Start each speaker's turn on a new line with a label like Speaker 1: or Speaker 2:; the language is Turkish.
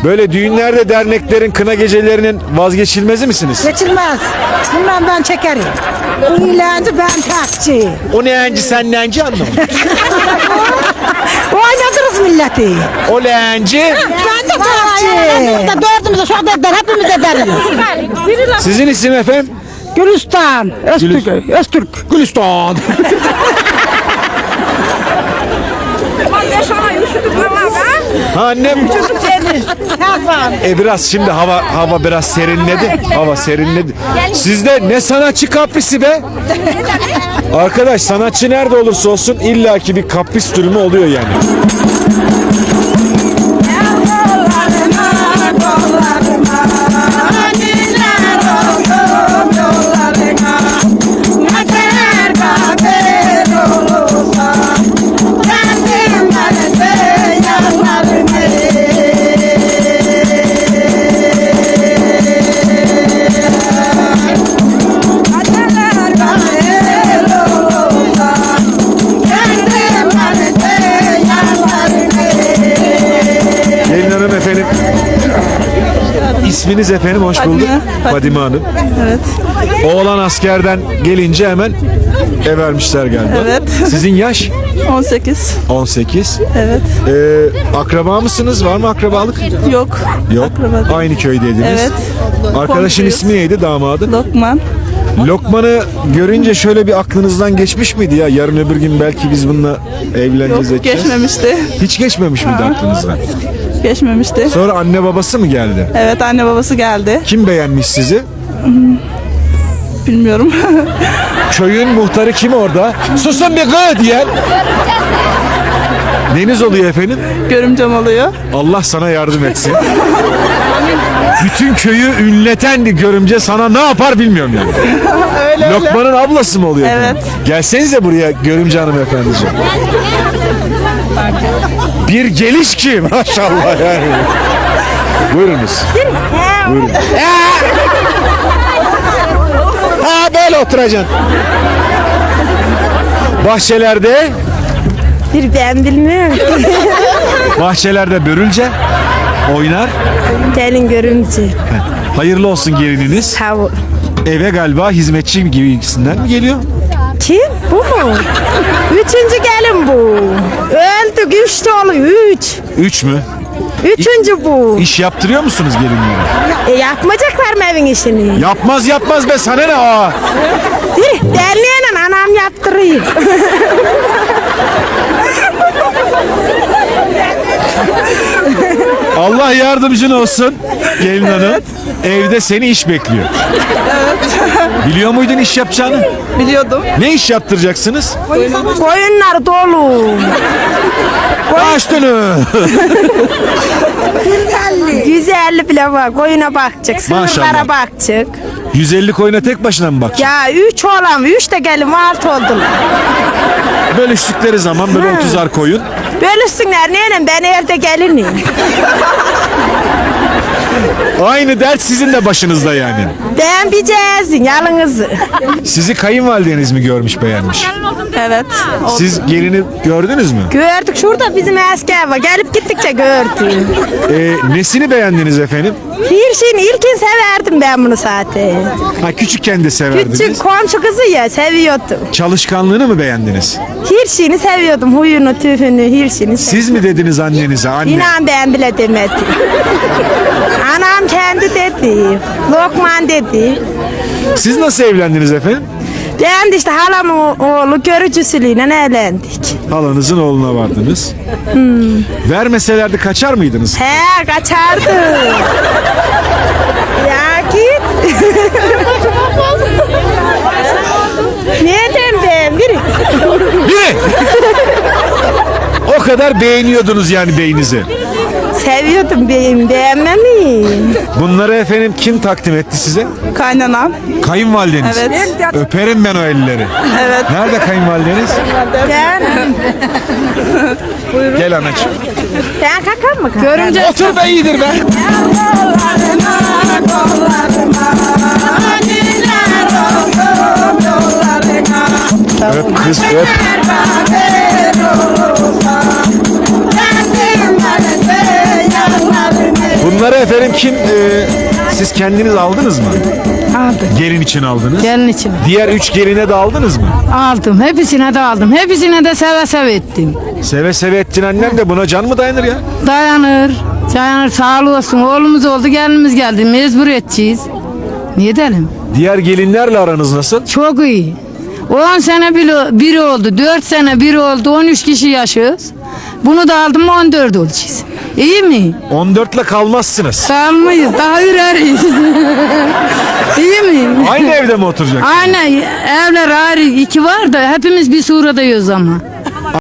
Speaker 1: Böyle düğünlerde, derneklerin, kına gecelerinin vazgeçilmezi misiniz?
Speaker 2: Geçilmez. Bundan ben çekerim. Bu ilancı ben takçı.
Speaker 1: O neyenci sen neyenci anlamadım.
Speaker 2: Oynatırız milleti.
Speaker 1: O leğenci.
Speaker 2: Ben de takçı. Dördümüz de şu anda eder. Hepimiz ederiz.
Speaker 1: Sizin isim efendim?
Speaker 2: Gülistan. Öztürk.
Speaker 1: Gülistan. Ha annem. Biraz şimdi hava biraz serinledi. Hava serinledi. Sizde ne sanatçı kaprisi be? Arkadaş sanatçı nerede olursa olsun illaki bir kapris durumu oluyor yani. Gelin hanım efendim. İsminiz efendim hoş bulduk. Fadime Hanım.
Speaker 3: Evet.
Speaker 1: Oğlan askerden gelince hemen ev vermişler galiba.
Speaker 3: Evet.
Speaker 1: Sizin yaş?
Speaker 3: 18.
Speaker 1: 18.
Speaker 3: Evet.
Speaker 1: Akraba mısınız? Var mı akrabalık?
Speaker 3: Yok.
Speaker 1: Yok.
Speaker 3: Akraba değil.
Speaker 1: Aynı köydeydiniz.
Speaker 3: Evet.
Speaker 1: Arkadaşın
Speaker 3: Komşuyuz.
Speaker 1: ismi neydi damadı?
Speaker 3: Lokman.
Speaker 1: Lokman'ı görünce şöyle bir aklınızdan geçmiş miydi ya? Yarın öbür gün belki biz bununla evleneceğiz.
Speaker 3: Yok, geçmemişti.
Speaker 1: Hiç geçmemiş miydi aklınızdan?
Speaker 3: Geçmemişti.
Speaker 1: Sonra anne babası mı geldi?
Speaker 3: Evet, anne babası geldi.
Speaker 1: Kim beğenmiş sizi?
Speaker 3: Bilmiyorum.
Speaker 1: Köyün muhtarı kim orada? Susun bir gı diyen. Deniz oluyor efendim.
Speaker 3: Görümcem oluyor.
Speaker 1: Allah sana yardım etsin. Bütün köyü ünleten bir görümce sana ne yapar bilmiyorum yani.
Speaker 3: Öyle öyle.
Speaker 1: Lokman'ın ablası mı oluyor efendim?
Speaker 3: Evet.
Speaker 1: Gelsenize buraya görümce hanımefendiciğim. Bir geliş ki maşallah yani. Buyurunuz. Buyurun. Ha böyle oturacaksın. Bahçelerde
Speaker 4: Ben bilmiyorum.
Speaker 1: bahçelerde börülce oynar.
Speaker 4: Gelin görümce.
Speaker 1: Hayırlı olsun gelininiz.
Speaker 4: Sağ ol.
Speaker 1: Eve galiba hizmetçi gibisinden mi geliyor?
Speaker 4: Kim? Bu mu? Üçüncü gelin bu. Öldük. Üç dolu. Üç.
Speaker 1: 3 mü?
Speaker 4: Üçüncü bu.
Speaker 1: İş yaptırıyor musunuz gelinlere?
Speaker 4: Yapmayacaklar mı evin işini?
Speaker 1: Yapmaz be sana ne aa?
Speaker 4: Derneğine anam yaptırıyor.
Speaker 1: Allah yardımcın olsun gelin hanım. Evde seni iş bekliyor. Biliyor muydun iş yapacağını?
Speaker 3: Biliyordum.
Speaker 1: Ne iş yaptıracaksınız?
Speaker 4: Koyunlar dolu.
Speaker 1: Açtını.
Speaker 4: 150 bile var. Koyuna bakacak.
Speaker 1: Maşallah.
Speaker 4: Sınırlara bakacak.
Speaker 1: 150 koyuna tek başına mı bakacaksın?
Speaker 4: Ya 3 olan 3 de gelin 6 oldular.
Speaker 1: Bölüştükleri zaman böyle 30'ar koyun.
Speaker 4: Bölüşsünler neyle ben evde gelinim.
Speaker 1: Aynı dert sizin de başınızda yani.
Speaker 4: Ben bir cezin yalınızı.
Speaker 1: Sizi kayınvalideniz mi görmüş beğenmiş?
Speaker 3: Evet.
Speaker 1: Siz gelini gördünüz mü?
Speaker 4: Gördük şurada bizim asker var. Gelip gittikçe gördüm.
Speaker 1: Nesini beğendiniz efendim?
Speaker 4: Bir şeyin ilkin severdim ben bunu zaten.
Speaker 1: Ha küçükken de severdiniz.
Speaker 4: Küçük komşu kızı ya seviyordum.
Speaker 1: Çalışkanlığını mı beğendiniz?
Speaker 4: Her şeyini seviyordum. Huyunu, tüfünü, her şeyini seviyordum.
Speaker 1: Siz mi dediniz annenize anne?
Speaker 4: İnan ben bile demedim. Anam kendi dedi. Lokman dedi.
Speaker 1: Siz nasıl evlendiniz efendim?
Speaker 4: Ben de işte halamın oğlu görücüsüyle evlendik.
Speaker 1: Halanızın oğluna vardınız. Vermeselerdi kaçar mıydınız?
Speaker 4: He kaçardı. Ya git. Nereden ben? Biri.
Speaker 1: Biri! O kadar beğeniyordunuz yani beyinizi.
Speaker 4: Seviyordum benim beğenmemi.
Speaker 1: Bunları efendim kim takdim etti size?
Speaker 3: Kaynanam.
Speaker 1: Kayınvalideniz.
Speaker 3: Evet.
Speaker 1: Öperim ben o elleri.
Speaker 3: Evet.
Speaker 1: Nerede kayınvalideniz? Gel anacığım.
Speaker 4: Ben kakam mı? Görünce
Speaker 1: Otur be iyidir be. Öp kız öp. Bunlar Bunları efendim siz kendiniz aldınız mı?
Speaker 4: Aldım.
Speaker 1: Gelin için aldınız.
Speaker 4: Gelin için.
Speaker 1: Diğer 3 geline de aldınız mı?
Speaker 4: Aldım. Hepsine de aldım. Hepsine de seve seve ettim.
Speaker 1: Seve seve ettin annem de buna can mı dayanır ya?
Speaker 4: Dayanır. Dayanır. Sağ olsun. Oğlumuz oldu. Gelinimiz geldi. Mecbur edeceğiz. Niye edelim?
Speaker 1: Diğer gelinlerle aranız nasıl?
Speaker 4: Çok iyi. 10 sene biri oldu. 4 sene biri oldu. 13 kişi yaşıyoruz. Bunu da aldım mı 14 olacağız. İyi mi?
Speaker 1: 14'le kalmazsınız.
Speaker 4: Kalmayız. Daha üreriz. İyi mi?
Speaker 1: Aynı evde mi oturacaksınız?
Speaker 4: Aynen. Evler ayrı 2 var da hepimiz bir suradayız ama.